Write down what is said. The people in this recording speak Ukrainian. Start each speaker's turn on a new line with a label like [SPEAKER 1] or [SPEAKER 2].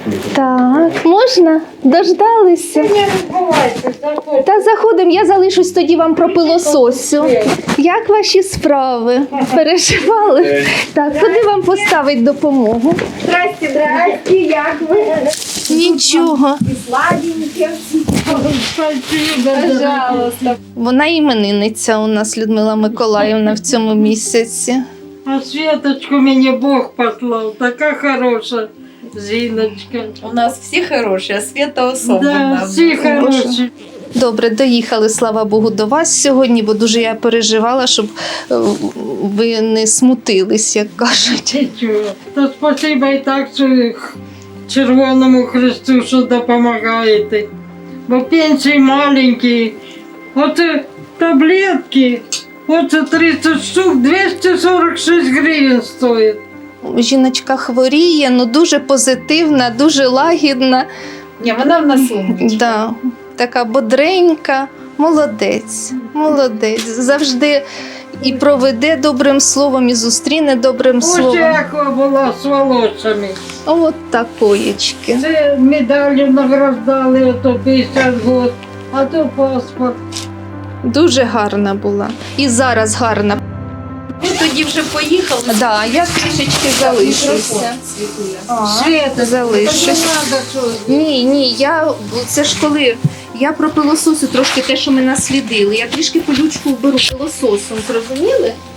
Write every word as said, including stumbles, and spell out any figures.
[SPEAKER 1] Так, можна? Дождалися? Та заходимо, я залишусь тоді вам про пилососю. Як ваші справи? Переживали? Так, куди вам поставить допомогу?
[SPEAKER 2] Здрасте, здрасте, як ви?
[SPEAKER 1] Нічого.
[SPEAKER 2] Сладенькі.
[SPEAKER 1] Пожалуйста. Вона іменинниця у нас, Людмила Миколаївна, в цьому місяці.
[SPEAKER 3] А Светочку мені Бог послав, така хороша жіночка.
[SPEAKER 4] У нас всі хороші, а Свята особливо.
[SPEAKER 3] Да, всі хороші.
[SPEAKER 1] Добре, доїхали, слава Богу, до вас сьогодні, бо дуже я переживала, щоб е, ви не смутились, як кажуть.
[SPEAKER 3] Нічого. То спасибо і так, що Червоному Христу, що допомагаєте. Бо пенсії маленькі. Оце таблетки, оце тридцять штук, двісті сорок шість гривень стоїть.
[SPEAKER 1] Жіночка хворіє, ну дуже позитивна, дуже лагідна.
[SPEAKER 4] Ні, вона в нас умничка.
[SPEAKER 1] Да, така бодренька, молодець, молодець. Завжди і проведе добрим словом, і зустріне добрим
[SPEAKER 3] Ось
[SPEAKER 1] словом.
[SPEAKER 3] яка була з волоссями.
[SPEAKER 1] От такоєчки.
[SPEAKER 3] Це медаллю награждали, ото п'ятдесят років, а то паспорт.
[SPEAKER 1] Дуже гарна була. І зараз гарна.
[SPEAKER 4] Ми тоді вже поїхали.
[SPEAKER 1] Да, я трішечки залишуся. А,
[SPEAKER 3] Света,
[SPEAKER 1] залишусь.
[SPEAKER 3] так не надо щось.
[SPEAKER 1] Ні, ні, я це ж коли я про пилососу трошки те, що ми наслідили. Я трішки колючку вберу пилососом, зрозуміли?